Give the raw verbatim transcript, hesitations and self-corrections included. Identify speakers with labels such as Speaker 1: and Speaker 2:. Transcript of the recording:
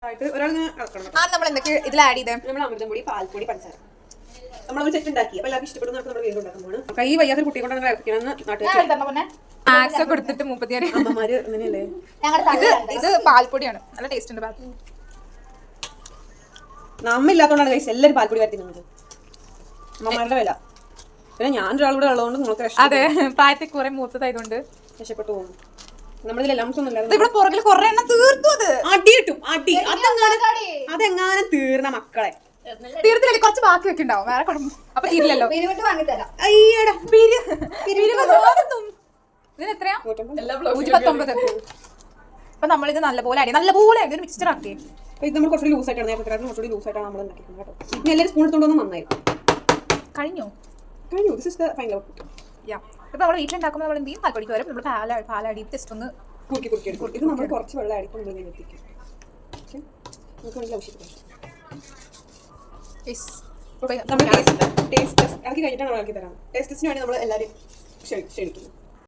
Speaker 1: നമ്മൾ എന്തൊക്കെ ഇതിൽ ആഡ് ചെയ്തേ?
Speaker 2: നമ്മൾ അമൃതം പൊടി, പാൽപ്പൊടി, പഞ്ചസാര നമ്മളൊരു സെറ്റ് ഉണ്ടാക്കി. അപ്പോൾ എല്ലാവർക്കും ഇഷ്ടപ്പെടുന്ന നമ്മൾ വീണ്ടും ഉണ്ടാക്കാൻ പോകണം. കൈ വയ്യാത്തൊരു കുട്ടിയെ കൊണ്ട് ഇറക്കിയാണെന്ന് നാട്ടുകാർ
Speaker 1: മാക്സ് ഒക്കെ കൊടുത്തിട്ട് മുപ്പത്തിയാറ്
Speaker 2: അമ്മമാര് അങ്ങനെയല്ലേ.
Speaker 1: ഇത് ഇത് പാൽപ്പൊടിയാണ്, നല്ല ടേസ്റ്റ് ഉണ്ട്. പാൽ
Speaker 2: നമ്മ ഇല്ലാത്തതുകൊണ്ടാണ് കൈസ് എല്ലാവരും പാൽപ്പൊടി വരത്തി നിന്നത്. അമ്മമാരുടെ വില. പിന്നെ ഞാൻ ഒരാളൂടെ ഉള്ളതുകൊണ്ട് നിങ്ങൾക്ക്
Speaker 1: അതെ പ്രായത്തിൽ കുറെ മൂത്തതായതുകൊണ്ട്
Speaker 2: രക്ഷപ്പെട്ടു പോകുന്നു. നമ്മളിതിലെല്ലാം ഒന്നും
Speaker 1: ഇവിടെ പുറകിൽ കുറെ എണ്ണം തീർത്തു. അത്
Speaker 2: അടി കിട്ടും അടി. അതെങ്ങാനും തീർന്ന മക്കളെ
Speaker 1: തീർത്തില്ലേ, കുറച്ച് ബാക്കി ഒക്കെ ഉണ്ടാവും. വേറെ കുഴപ്പം അപ്പൊ തീരില്ലല്ലോ.
Speaker 2: അയ്യടാ
Speaker 1: ഇതിന് എത്രയാ? നൂറ്റി പത്തൊമ്പത്. അപ്പൊ നമ്മളിത് നല്ലപോലെ അടി നല്ലപോലെ ഒരു മിക്സ്ചർ ആക്കി.
Speaker 2: ഇത് നമ്മൾ കുറച്ചുകൂടി ലൂസായിട്ടാണ് നേരത്തെ കുറച്ചുകൂടി ലൂസായിട്ടാണ് നമ്മൾ ഉണ്ടാക്കിയത് കേട്ടോ. ഇനി എല്ലാവരും സ്പൂൺ എടുത്തോണ്ടൊന്നും നന്നായിരുന്നു.
Speaker 1: കഴിഞ്ഞോ?
Speaker 2: കഴിഞ്ഞു. This is the final output.
Speaker 1: Yeah ഇപ്പൊ നമ്മൾ വീട്ടിലുണ്ടാക്കുമ്പോൾ നമ്മൾ എന്ത് ചെയ്യും? പാൽപ്പൊടിക്ക് വരും നമ്മൾ പാല പാലടി ജസ്റ്റ് ഒന്ന്
Speaker 2: കുറുക്കി കുറുക്കി എടുക്കും. ഇത് നമ്മൾ കുറച്ച് വെള്ളം അടിക്കും നമ്മൾ ഇങ്ങനെ എത്തിക്കും. ഓക്കെ നമുക്ക് വേണമെങ്കിൽ ആവശ്യമില്ല. നമ്മൾ ടേസ്റ്റ് ടേസ്റ്റ് ഇറക്കി കഴിഞ്ഞിട്ടാണ് ഇറക്കി തരാം. ടേസ്റ്റ് ടെസ്റ്റിന് വേണ്ടി നമ്മൾ എല്ലാവരും ക്ഷണിക്കുന്നു.